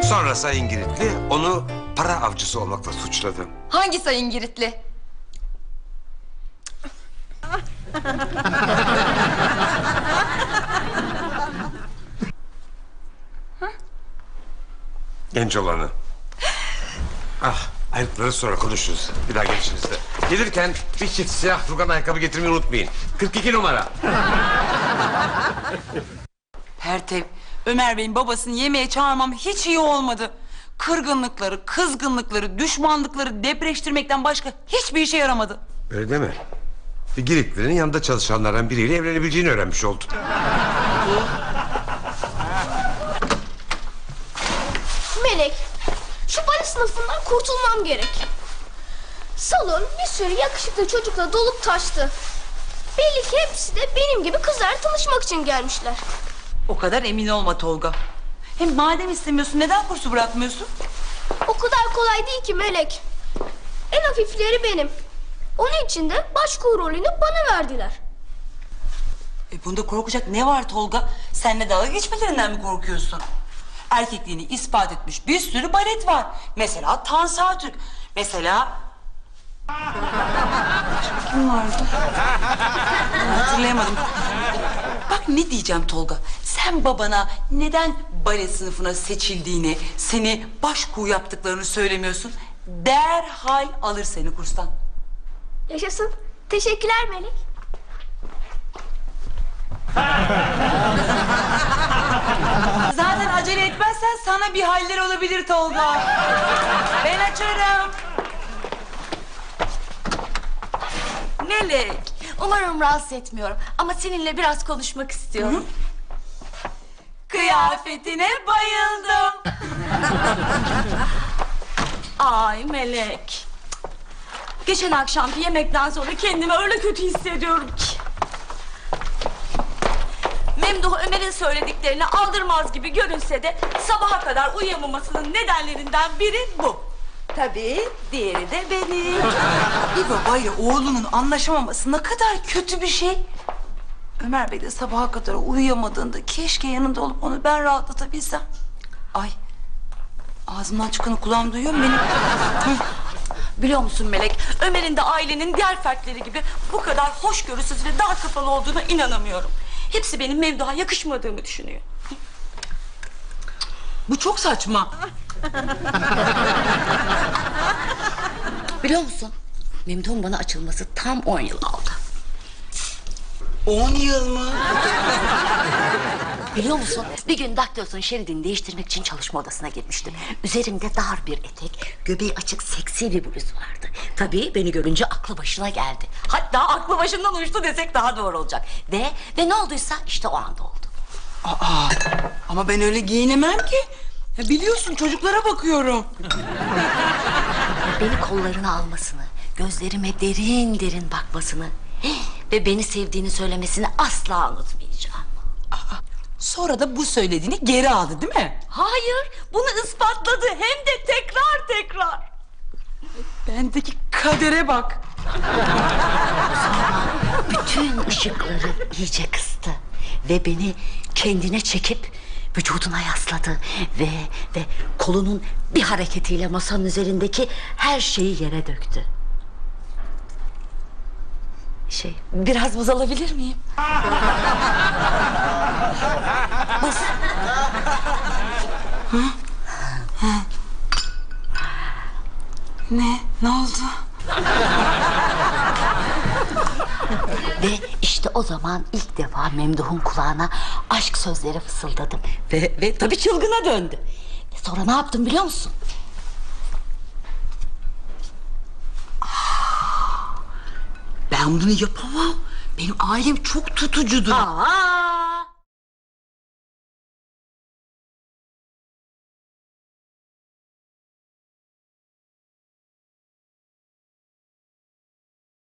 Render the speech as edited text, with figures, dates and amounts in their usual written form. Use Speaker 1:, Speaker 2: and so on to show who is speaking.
Speaker 1: Sonra Sayın Giritli onu para avcısı olmakla suçladı.
Speaker 2: Hangi Sayın Giritli?
Speaker 1: Genç olanı. Ah, ayrıntıları sonra konuşuruz. Bir daha gelişinizde. Gelirken bir çift siyah rugan ayakkabı getirmeyi unutmayın. 42 numara.
Speaker 3: Pertev, Ömer Bey'in babasını yemeğe çağırmam hiç iyi olmadı. Kırgınlıkları, kızgınlıkları, düşmanlıkları depreştirmekten başka hiçbir işe yaramadı.
Speaker 1: Öyle deme. Bir Giritli'nin yanında çalışanlardan biriyle evlenebileceğini öğrenmiş oldun.
Speaker 4: Melek, şu bale sınıfından kurtulmam gerek. Salon bir sürü yakışıklı çocukla dolup taştı. Belli ki hepsi de benim gibi kızlarla tanışmak için gelmişler.
Speaker 3: O kadar emin olma Tolga. Hem madem istemiyorsun neden kursu bırakmıyorsun?
Speaker 4: O kadar kolay değil ki Melek. En hafifleri benim. Onun için de başkuğu rolünü bana verdiler.
Speaker 3: Bunda korkacak ne var Tolga? Seninle dalga geçmelerinden mi korkuyorsun? Erkekliğini ispat etmiş bir sürü balet var. Mesela Tansu Türk. Mesela... Başka kim vardı? Hatırlayamadım. Bak ne diyeceğim Tolga. Sen babana neden bale sınıfına seçildiğini, seni başkuğu yaptıklarını söylemiyorsun? Derhal alır seni kurstan.
Speaker 4: Yaşasın. Teşekkürler Melek.
Speaker 3: Zaten acele etmezsen sana bir haller olabilir Tolga. Ben açarım.
Speaker 5: Melek, umarım rahatsız etmiyorum ama seninle biraz konuşmak istiyorum.
Speaker 3: Kıyafetine bayıldım.
Speaker 5: Ay Melek. Geçen akşamki yemekten sonra kendimi öyle kötü hissediyorum ki. Memduh Ömer'in söylediklerini aldırmaz gibi görünse de sabaha kadar uyuyamamasının nedenlerinden biri bu. Tabii diğeri de benim.
Speaker 3: Bir babayla oğlunun anlaşamaması ne kadar kötü bir şey. Ömer Bey de sabaha kadar uyuyamadığında keşke yanında olup onu ben rahatlatabilsem. Ay, ağzımdan çıkanı kulağım duyuyor mu benim?
Speaker 5: Biliyor musun Melek, Ömer'in de ailenin diğer fertleri gibi bu kadar hoşgörüsüz ve dar kafalı olduğuna inanamıyorum. Hepsi benim Memduh'a yakışmadığımı düşünüyor.
Speaker 3: Bu çok saçma.
Speaker 5: Biliyor musun, Memduh'un bana açılması tam 10 yıl aldı.
Speaker 3: 10 yıl mı?
Speaker 5: Biliyor musun, bir gün daktilosun şeridini değiştirmek için çalışma odasına girmiştim. Üzerimde dar bir etek, göbeği açık seksi bir bluz vardı. Tabii beni görünce aklı başına geldi. Hatta aklı başından uçtu desek daha doğru olacak. Ve ne olduysa işte o anda oldu.
Speaker 3: Aa, ama ben öyle giyinemem ki. Ya biliyorsun çocuklara bakıyorum.
Speaker 5: Beni kollarına almasını, gözlerime derin derin bakmasını ve beni sevdiğini söylemesini asla unutmayacağım.
Speaker 3: Sonra da bu söylediğini geri aldı değil mi?
Speaker 5: Hayır, bunu ispatladı hem de tekrar.
Speaker 3: Bendeki kadere bak.
Speaker 5: Bütün ışıkları iyice kıstı ve beni kendine çekip vücuduna yasladı ve kolunun bir hareketiyle masanın üzerindeki her şeyi yere döktü. Biraz buz alabilir miyim? Buz.
Speaker 3: Ne oldu?
Speaker 5: Ve işte o zaman ilk defa Memduh'un kulağına aşk sözleri fısıldadım. Ve tabii çılgına döndü. Ve sonra ne yaptım biliyor musun?
Speaker 3: Ben bunu yapamam. Benim ailem çok tutucudur.
Speaker 5: Aa,